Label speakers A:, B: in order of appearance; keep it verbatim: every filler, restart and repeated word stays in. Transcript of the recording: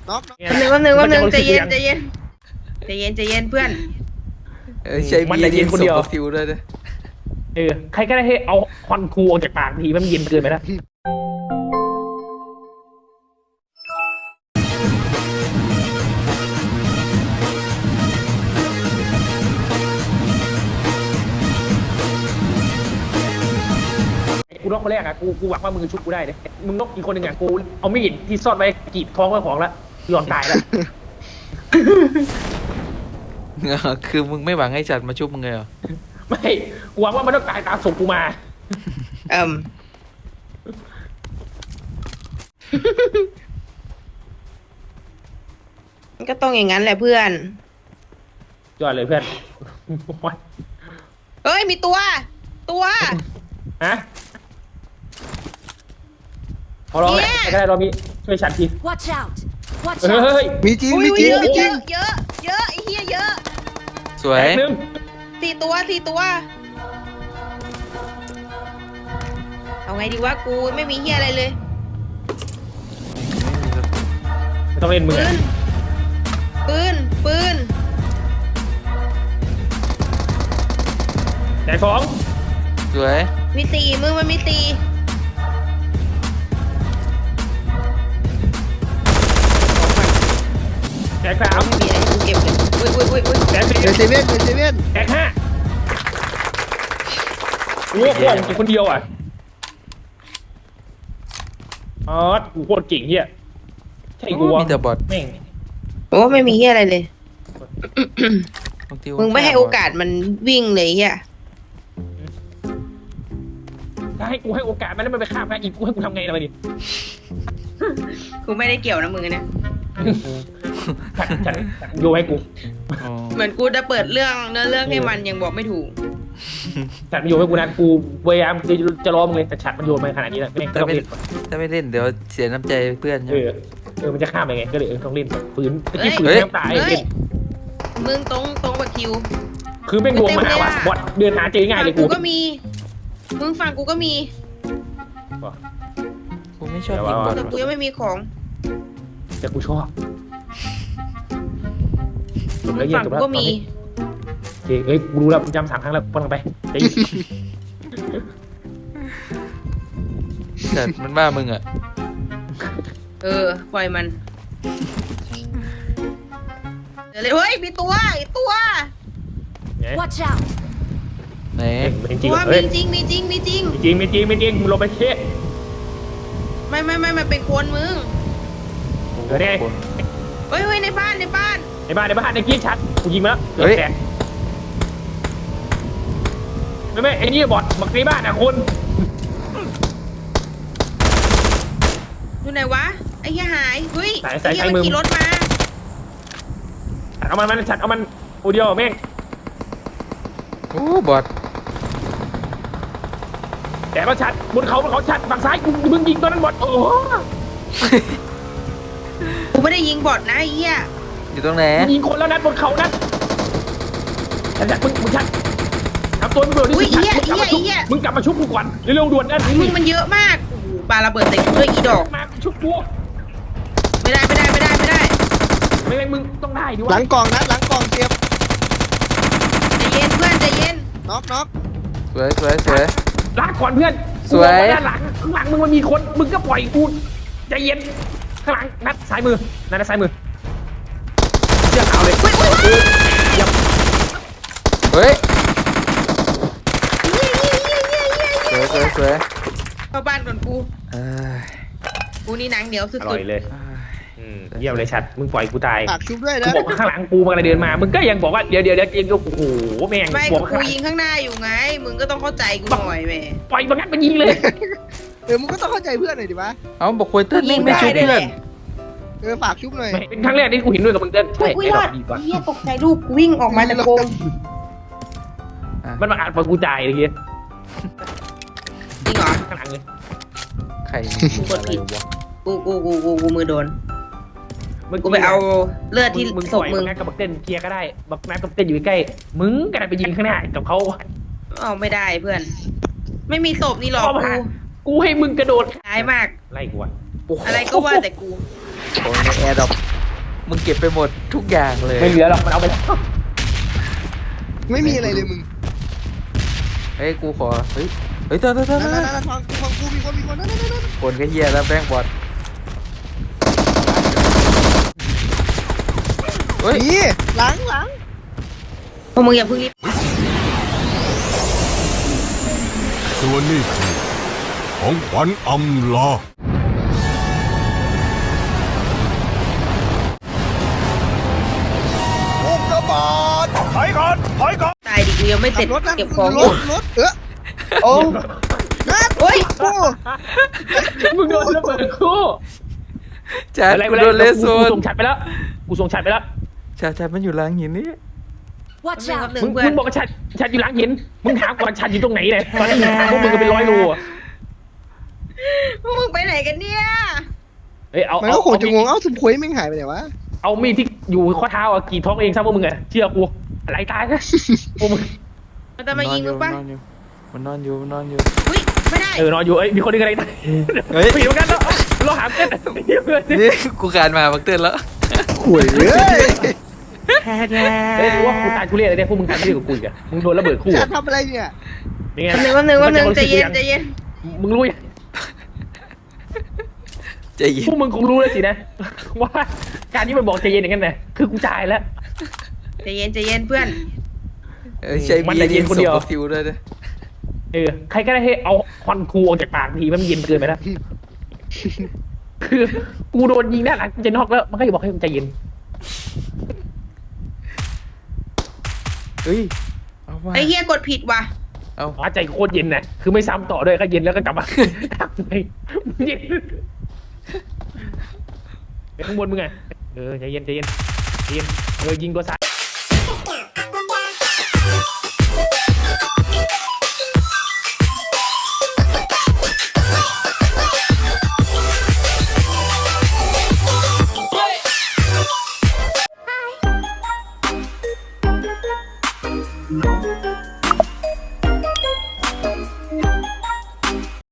A: น็อก
B: หนึ่งวันหนึ่งวันหนึ่งใจเย็นใจเย็นใจเย็นใจเย็นเพื่อน
C: เออใช่มันจะเย็นคนเดียวทิวด้วยนะ
D: เออใครก็ได้ให้เอาควันคูออกจากปากทีมันเย็นเกินไปนะกูนกคนแรกอะกูกูหวังว่ามึงจะชุบกูได้เลยมึงนกอีกคนหนึ่งอะกูเอามีดที่ซ่อนไว้กรีดท้องไว้ของแล้วยอมตายแล้ว
C: คือมึงไม่หวังให้จัดมาชุบมึงเลยเหรอ
D: ไม่กูหวังว่ามันต้องตายตามส่งกูมา
B: เอิ่มมันก็ต้องอย่างนั้นแหละเพื่อน
D: ยอดเลยเพื่อน
B: เฮ้ยมีตัวตัว
D: ฮะพอร้องเลยก็ได้เรามีช่วยฉันที
E: Watch out Watch
D: เฮ้ย
E: out
A: มีจริงมีจริงมีจริง
B: เยอะเยอะไอ้เหี้ยเยอะ
C: สวย
D: หนึ่ง
B: สี่ตัวสี่ตัวเอาไงดีวะกูไม่มีเหี้ยอะไรเลย
D: ไม่ต้องเล่นมือ
B: ปืนปืน
D: ใหญ่ฟอง
C: สวย
B: มีตีมึงมันมีตี
D: แตกสาม
B: ไม่มีอะไรกูเก็บเลยอุ้ยอุ้ยอุ้ยอุ้ย
D: แตกสี่
A: เดนเซเว่นเดนเซเว่น
D: แตกห้าโอ้โหกูคนเดียวอ่ะอ๋อกูโคตรเก่งเฮียใช่กูวะ
C: มีแต่บอท
D: แม่ง
B: โอ้ไม่มีเหี้ยอะไรเลยมึงไม่ให้โอกาสมันวิ่งเลยเหี้ย
D: ถ้าให้กูให้โอกาสมันแล้วมันไปฆ่าแม่อีกกูให้กูทำไงล่ะไปดิ
B: กูไม่ได้เกี่ยวนะมึงนะ
D: ฉันฉันโยให้กู
B: เหมือนกูจะเปิดเรื่องเนื้อเรื่องให้มันยังบอกไม่ถูก
D: ฉันโยให้กูนะกูพยายามจะจะล้อมึงเลยแต่ฉันมันโยนมาขนาดนี้แล้วไม่ต้องเล่น
C: ถ้าไม่เล่นเดี๋ยวเสียน้ำใจเพื่อนใช่
D: ไห
C: ม
D: เออมันจะฆ่าไปไงก็เลยเออต้องเล่นฝืนตะกี้ฝืนน้ำตายเล่น
B: มึงตรงตรงกับคิว
D: คือเป็นวงมาว่ะบอทเดินหาเจอง่ายเลยกู
B: ก็มีมึงฝั่งกูก็มี
C: กูไม่ชอบยิงบอท
B: แต่กูยังไม่มีของ
D: แต่กูชอบ
B: ฝั่งกูก็มี
D: โอเคเอ้ยกูรู้แล้วกูจำสามครั้งแล้วปนไปเฮ้ย
C: แต่มันบ้ามึงอ่ะ
B: เออปล่อยมันเดี๋ยวเลยเฮ้ยมีตัวอีกตัว
E: Watch out
C: ไหน
B: ตัวมีจริงมีจริงมีจริง
D: มีจริงมีจริงมีจริงมึงลงไปเช็ด
B: ไม่ไม่ไม่มันเป็นคนมึง
D: เดี๋ยวดิ
B: เฮ้ยเฮ้ยในบ้านในบ้าน
D: ในบ้านในบ้านในกี้ชัดกูยิงมาแล้วเกือบแตกไม่ไม่ไอ้นี่บอทบักในบ้านอ่ะคุณ
B: อยู่ไหนวะไอ้เหี้ยหายเฮ้ย
D: ใส่ใส่ใช้มือ
B: ขี่รถมา
D: เอามันมันชัดเอามันอูเดียวแม่ง
C: โอ้บอท
D: แต่ก็ชัดบนเขาบนเขาชัดฝั่งซ้ายกูมึงยิงตัวนั้นบอทโอ้
B: กูไม่ได้ยิงบอทนะไอ้เหี้ย
C: อยู่ตรงไหน
D: ยิงคนแล้วนัดบนเขานัดชัดมึงมึงชัดทำตัวมึงเบื่อดิมึงกลับมาชุบมึงกลับมาชุบกูก่อนเร็วๆด่วนนั่น
B: มึงมันเยอะมากโอ้โหปาระเบิดใส่กูด้วยอีดอก
D: มาชุบกู
B: ไม่ได้ไม่ได้ไม่ได้ไม่ได้
D: ไม่ไม่มึงต้องได้ดิวะ
A: หลังกล่องนะหลังกล่องเจ็บ
B: ใจเย็นเพื่อนใจเย็น
A: น็อกน็อก
C: สวยสวยสวย
D: ลากก่อนเพื่อน
C: สวย
D: ด้านหลังข้างหลังมึงมันมีคนมึงก็ปล่อยกูใจเย็นข้างหลังนัดซ้ายมือนัดซ้ายมือเชือกเอาเลยยับ
C: เฮ้ยสวยสวยสวย
B: เข้าบ้านก่อนกูกูนี่หนังเหนียวสุดๆอ
D: ร่อยเลยเยี่ยมเลยชัดมึงปล่อยกูตาย
A: ฝากชุบด้วยนะ
D: กูบอกข้างหลังกูมันอะไรเดินมามึงก็ยังบอกว่าเดี๋ยวเดี๋ยวเดี๋ยวเองก็โอ้โหแม่ง
B: ไม่กูยิงข้างหน้าอยู่ไงมึงก็ต้องเข้าใจกูหน่อยแม่
D: ปล่อยมันงั้นมันยิงเลย
A: เออมึงก็ต้องเข้าใจเพื่อนหน่อยดิวะ
C: เอาบอกคุยเต้นไม่ไม่ชุบเพื่อน
A: เออฝากชุบหน่อย
D: เป็นครั้งแรกที่กูเห็นด้วยกับมึงเต้น
B: ใช่ไอ้ดอกดีกว่าเฮียตกใจลูกวิ่งออกมาจากโกง
D: มันมาอ่านพอกูจ่ายเลยเฮีย
B: จริงเหรอ
D: ข้างหลังเลย
C: ใคร
B: กูกดผิดกูกูกูกูกูมือโดนกูไปเอาเลือดที่
D: มึง
B: ศพมึง
D: นัดกับบักเต้นเคลียร์ก็ได้บักนัดกับเต้นอยู่ใกล้มึงกระไรไปยิงข้างหน้ากับเขา
B: เอาไม่ได้เพื่อนไม่มีศพนี่หรอกกู
D: กูให้มึงกระโดด
B: ร้ายมาก
D: ไล่กู
B: อะไรก็ว่าแต่กู
C: โอ้ยแอร์ดรอปมึงเก็บไปหมดทุกอย่างเลย
D: ไม่เหลือหรอกมันเอาไปแล้ว
A: ไม่มีอะไรเลยมึง
C: เฮ้ยกูขอเฮ้ยเฮ้ยเตอร์เตอร์เตอ
A: นั่น
C: ร์
A: นั่นนั่นฟังกูฟังกูมีคนมีคนนั่นนั่นนั่น
C: คนก็เฮียแล้วแป้งบอดเฮ้ย
A: นี่หลังหลัง
B: พวกมึงอย่าเพิ่งรีบ
F: ส่วนนี้คือของขวัญอำลา อุกกาบาตถอยก่อนถอยก่อน
B: ตายดิกูยังไม่เสร็จ
A: รถนั่น
B: เก็บของ
A: ร
B: อยู่
A: ถรถเออ
B: โอ้
A: นั่น
B: โอ้ย
A: กู
D: มึงโดนระเบิดคู่
C: จัด
D: อะไร
C: กู
D: อะไร
C: โดนเลสโซ
D: กู
C: น
D: ส่งฉัดไปแล้วกูส่งฉัดไปแล้ว
C: จัดจัดมันอยู่หลังหินนี่
E: Watch
B: แป๊บ
E: out!
B: นึง
D: มึง
B: เพื่อ
D: มึ
B: น
D: งบอกว่าฉัดฉัดอยู่หลังหินมึงถามก่อนฉัดอยู่ตรงไหนเลยตอนนี้หาพวกมึงก็เป็นร้อยโลอะ
B: พวกมึงไปไหนกันเนี่ย
D: เอ้ยเอา
A: มัน
D: เอา
A: ก็คงจะงง
D: เอา
A: เอ้าถุงคุยแม่งหายไปไหนวะ
D: เอามีดที่อยู่ข้อเท้าอะกรีดท้องเองซะพวกมึงอะเชื่อกูอะไรตายนะพวกมึง
B: มันจะมายิงมึงปะ
C: มันนอนอยู่มันนอนอยู่
B: อุ้ยไม่ได้
D: เออนอนอยู่เอ้ยมีคนนึงอะไรตาย
C: เฮ้ย
D: ไปอยู่กันแล้วเราหามกัน
C: นี่กูการมาบักเตือนแล้ว
A: ข่วยเอ้ย
D: เฮ้ยรู้ว่ากูตายกูเรียกอะไรเนี่ยพวกมึงตายกูเรียกกับกูอีกอะมึงโดนระเบิดคู่
A: จะ
D: อะ
A: ทำอะไรเนี่ย
D: เป็นไง
B: แป๊บนึงแป๊บนึงแป๊บนึงใจเย็นใจเย็น
D: มึงรู้ยัง
C: ใจเย็น
D: พวกมึงคงรู้แล้วสินะ ว่าการที่มันบอกใจเย็นอย่างนั้นน่ะคือกูจ่ายแล้ว
B: ใจเย็นใจเย็นเพื่อน
C: เออใช้
D: มัน
C: บี
D: ใจเย็
C: ยิ
D: น
C: ง
D: คน
C: ศ
D: เดี
C: พ
D: ยว
C: บักทิวด้วยนะ
D: เออใครก็ได้ให้เอาควันครูออกจากปากทีมันเย็นเกินไปแล้ว คือกูโดนยิงด้านหลังกูจะนอกแล้วมันก็จะบอกให้มึงใจเย็น
C: เฮ้ยเอาว่า
B: ไอ้เฮียกดผิดว่ะ
C: เอา
D: อ๋อใจโคตรเย็นน่ะคือไม่ซ้ำต่อด้วยก็เย็นแล้วก็กลับมา เย็นไปข้างบนมึงไงเออใจเย็นใจเย็นใจเย็นเออยิงตัวซ้าย